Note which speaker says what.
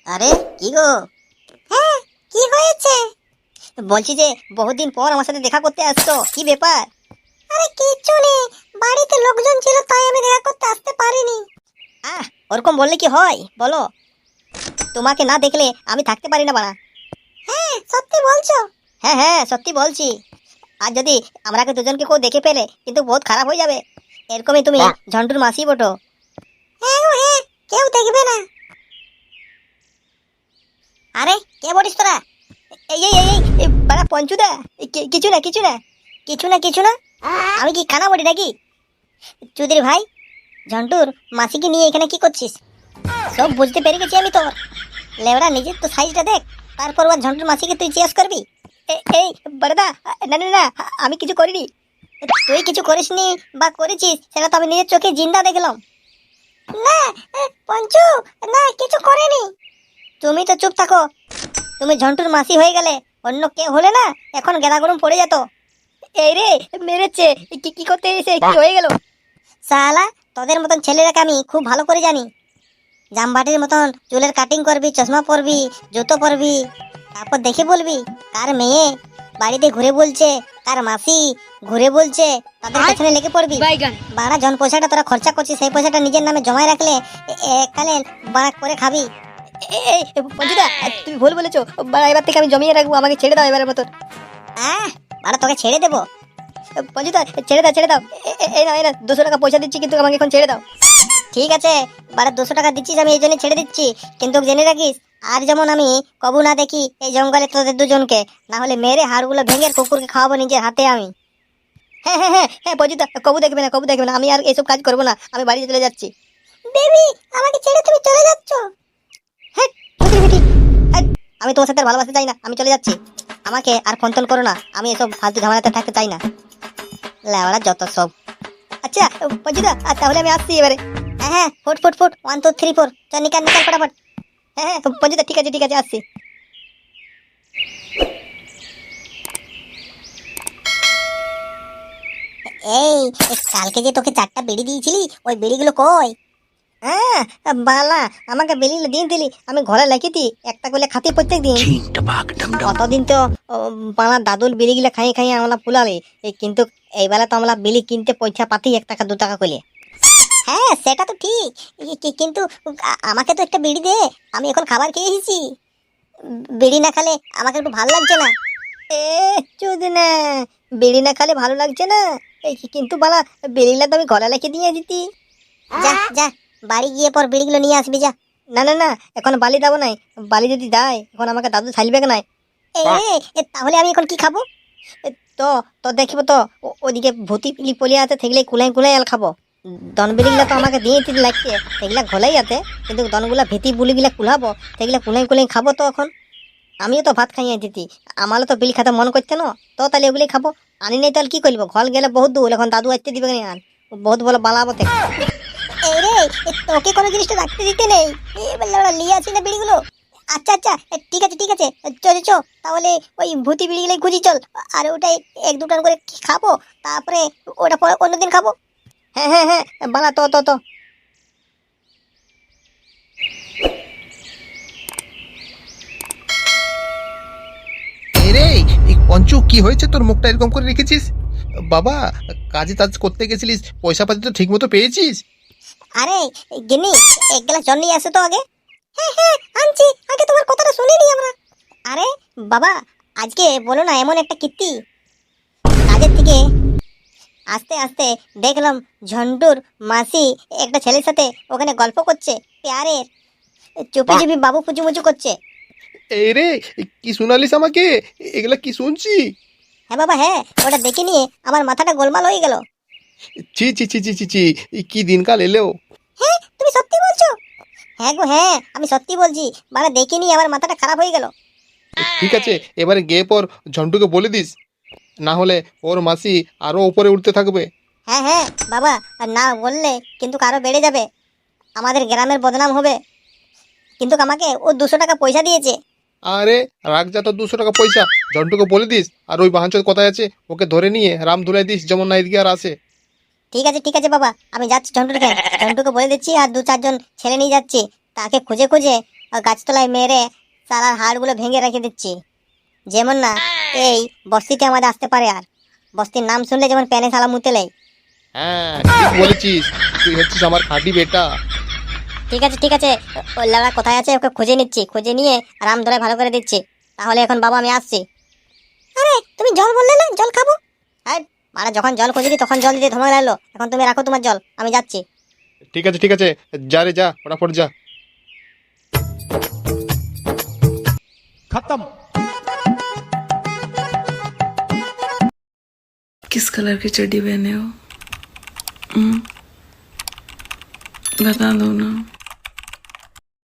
Speaker 1: আরে কি গো?
Speaker 2: হ্যাঁ, কি হয়েছে?
Speaker 1: বলছি যে বহুদিন পর আমার সাথে দেখা করতে আসছো, কি ব্যাপার?
Speaker 2: আরে কিচ্ছু নেই, বাড়িতে লোকজন ছিল তাই আমি দেখা করতে আসতে পারিনি।
Speaker 1: ওরকম বললে কি হয় বলো? তোমাকে না দেখলে আমি থাকতে পারি না বাড়া।
Speaker 2: হ্যাঁ, সত্যি বলছো?
Speaker 1: হ্যাঁ হ্যাঁ, সত্যি বলছি। আর যদি আমরাকে দুজনকে কেউ দেখে ফেলে কিন্তু বহুত খারাপ হয়ে যাবে। এরকমই তুমি ঝন্টুর মাসি বটো।
Speaker 2: হ্যাঁ গো হ্যাঁ, কেউ দেখবে না।
Speaker 1: আরে কে বলিস তোরা? এই এই এই এই বাড়া পঞ্চুদা। কিছু না কিছু না কিছু না কিছু না। আমি কি খানা বলি নাকি? চুদির ভাই, ঝন্টুর মাসিকে নিয়ে এখানে কি করছিস? সব বুঝতে পেরে গেছি আমি তোর। লেওড়া নিজের তো সাইজটা দেখ, তারপর ওর ঝন্টুর মাসিকে তুই জিজ্ঞেস করবি? এই বড়দা, না না না, আমি কিছু করিনি। তুই কিছু করিসনি বা করেছিস সেটা তো আমি নিজের চোখে জিন্দা দেখলাম।
Speaker 2: না, পঞ্চু, না কিছু করেনি।
Speaker 1: তুমি তো চুপ থাকো। তুমি ঝন্টুর মাসি হয়ে গেলে, অন্য কেউ হলে না এখন গেলা গরম পড়ে যেত। এই রে মেরেছে, কি কি করতে এসে কি হয়ে গেল? সালা, তোদের মতন ছেলেরাকে আমি খুব ভালো করে জানি। জামবাটির মতন চুলের কাটিং করবি, চশমা পরবি, জুতো পরবি, তারপর দেখে বলবি কার মেয়ে বাড়িতে ঘুরে বলছে, কার মাসি ঘুরে বলছে, তাদের পেছনে লেগে পড়বি। বাড়া জন পয়সাটা তোরা খরচা করছিস, সেই পয়সাটা নিজের নামে জমায় রাখলে এককালে বাড়া করে খাবি। এই পঞ্চুদা, তুমি ভুল বলেছো। বাড়া এবার থেকে আমি জমিয়ে রাখবো, আমাকে ছেড়ে দাও এবারের মতন। বাড়া তোকে ছেড়ে দেবো? পঞ্চুদা ছেড়ে দাও ছেড়ে দাও। এই না 200 টাকা পয়সা দিচ্ছি, কিন্তু আমাকে এখন ছেড়ে দাও। ঠিক আছে, বারে 200 টাকা দিচ্ছিস, আমি এই জন্য ছেড়ে দিচ্ছি। কিন্তু জেনে রাখিস, আর যেমন আমি কবু না দেখি এই জঙ্গলে তোদের দুজনকে, না হলে মেরে হাড়গুলো ভেঙে কুকুরকে খাওয়াবো নিজের হাতে আমি। হ্যাঁ হ্যাঁ হ্যাঁ হ্যাঁ পজিতা, কবু দেখবে না, কবু দেখবে না। আমি আর এইসব কাজ করবো না, আমি বাড়ি চলে যাচ্ছি।
Speaker 2: বেবি, আমাকে ছেড়ে তুমি চলে যাচ্ছ?
Speaker 1: হ্যাঁ চুদির বেটি, হ্যাঁ, আমি তোমার সাথে আর ভালোবাসতে চাই না, আমি চলে যাচ্ছি। আমাকে আর ফোন করো না, আমি এসব ফালতু ঝামেলাতে থাকতে চাই না। লেওড়া যত সব। আচ্ছা পজিতা, তাহলে আমি আসছি এবারে। হ্যাঁ হ্যাঁ, ফুট ফুট ফুট 1 2 3 4, চল নিকাল নিকাল ফটাফট। হ্যাঁ হ্যাঁ পঞ্চুদা, ঠিক আছে ঠিক আছে, আসছি। এই কালকে যে তোকে 4টা বিড়ি দিয়েছিলি, ওই বিড়িগুলো কই? হ্যাঁ বালা, আমাকে বিড়িগুলো দিয়ে দিলি, আমি ঘরে লেখিতি একটা করে খাতি প্রত্যেক দিন। কতদিন তো বালা দাদুর বিড়িগুলো খাইয়ে খাইয়ে আমরা ফুলালি, কিন্তু এইবেলা তো আমরা বিড়ি কিনতে পয়সা পাতি 1 টাকা 2 টাকা করে। হ্যাঁ সেটা তো ঠিক, কিন্তু আমাকে তো একটা বিড়ি দে, আমি এখন খাবার খেয়ে এসেছি। বিড়ি না খেলে আমাকে একটু ভালো লাগছে না। এ চুদি না, বিড়ি না খেলে ভালো লাগছে না? এই কিন্তু বালা, বিড়িগুলো তো আমি ঘরে রেখে দিয়ে দিতি। যা যা, বাড়ি গিয়ে পর বিড়িগুলো নিয়ে আসবি যা। না না না, এখন বালি দেবো নাই। বালি যদি দেয় এখন আমাকে দাদু ছাইলবে নাই। তাহলে আমি এখন কি খাবো? তো তো দেখিব তো, ওদিকে ভূতি পিলি পলিয়া আছে, সেগুলো কুলাই কুলাই আল খাবো। দন বিড়িগুলা তো আমাকে দিয়ে দিতে লাগছে, সেগুলা ঘোলাই আছে, কিন্তু দনগুলা ভীতি বুলিগুলা কুলাবো, সেগুলা কুলাই কুলাই খাবো। তো এখন আমিও তো ভাত খাইয়ে দিতি, আমারও তো বিল খাতে মন করছে না, তো তাহলে ওগুলি খাবো। আনি নাই তাহলে কি করবো, ঘর গেলে বহুত দূর, এখন দাদু আসতে দিবে না, আন বহুত বড় বালাবো। এই রে, তোকে কোনো জিনিসটা রাখতে দিতে নেই, ওরা নিয়ে আসি না বিড়িগুলো। আচ্ছা আচ্ছা, ঠিক আছে ঠিক আছে, চল চল, তাহলে ওই ভূতি বিড়িগুলোই খুঁজি চল। আর ওটাই 1 2 টান করে খাবো, তারপরে ওটা পরে অন্যদিন খাবো। হ্যাঁ হ্যাঁ হ্যাঁ বালা, তো তো তো
Speaker 3: রে। এই পঞ্চু, কি হয়েছে তোর? মুখটা এরকম করে রেখেছিস? বাবা, কাজে টাজ করতে গেছিলিস, পয়সা পাতি তো ঠিক মতো পেয়েছিস?
Speaker 1: আরে গিন্নি, 1 গ্লাস জল নিয়ে আসো তো আগে। হ্যাঁ হ্যাঁ আনছি, আগে তোমার কথাটা শুনিনি আমরা। আরে বাবা, আজকে বলো না এমন একটা কীর্তি। কাজের থেকে আস্তে আস্তে দেখলাম ঝন্টুর মাসি একটা ছেলের সাথে ওখানে গল্প করছে, প্যারের চুপি চুপি বাবু পুচুমুচু করছে।
Speaker 3: এই রে, কি শোনালিস আমাকে? এগুলা কি শুনছি?
Speaker 1: হ্যাঁ বাবা হ্যাঁ, ওটা দেখে নিয়ে আমার মাথাটা গোলমাল হয়ে গেল।
Speaker 3: ছি ছি ছি ছি ছি ছি, কি দিনকাল এলো!
Speaker 1: হ্যাঁ তুমি সত্যি বলছো? হ্যাঁ গো হ্যাঁ, আমি সত্যি বলছি, মানে দেখে নিয়ে আমার মাথাটা খারাপ হয়ে গেল।
Speaker 3: ঠিক আছে, এবারে গিয়ে পর ঝন্টুকে বলে দিস, না হলে ওর মাসি আরো উপরে উঠতে থাকবে।
Speaker 1: হ্যাঁ হ্যাঁ বাবা, আর না বললে কিন্তু আরো বেড়ে যাবে, আমাদের গ্রামের বদনাম হবে। কিন্তু আমাকে ও 200 টাকা পয়সা দিয়েছে।
Speaker 3: আরে রাখ যা, তো 200 টাকা পয়সা। ঝন্টুকে বলে দিস, আর ওই বাহানচোদ কোথায় আছে ওকে ধরে নিয়ে রাম ধুলাই দিস, যেমন না এদিকে আর আসে।
Speaker 1: ঠিক আছে বাবা, আমি যাচ্ছি ঝন্টুর খেয়ে, ঝন্টুকে বলে দিচ্ছি, আর 2 4 জন ছেলে নিয়ে যাচ্ছি, তাকে খুঁজে খুঁজে আর গাছতলায় মেরে সারার হাড়গুলো ভেঙে রেখে দিচ্ছি। যেমন না এই বস্তিতে আমাদের আসতে পারে, আর বস্তির নাম শুনলে যেমন প্যানে সালা মুতে লেয়।
Speaker 3: হ্যাঁ ঠিক বলেছিস, তুই হচ্ছিস আমার খাঁটি বেটা।
Speaker 1: ঠিক আছে ঠিক আছে, ওই লাউড়া কোথায় আছে ওকে খুঁজে নিচ্ছি, খুঁজে নিয়ে রাম ধরে ভালো করে দিচ্ছি। তাহলে এখন বাবা আমি আসছি।
Speaker 2: আরে তুমি জল বললে না, জল খাবো।
Speaker 1: হ্যাঁ মানে যখন জল খুঁজেছি তখন জল দিতে ধমক লাগলো, এখন তুমি রাখো তোমার জল, আমি যাচ্ছি।
Speaker 3: ঠিক আছে, যা রে যা, ফটাফট যা।
Speaker 4: किस कलर की चड्डी पहने हो? बता दो ना।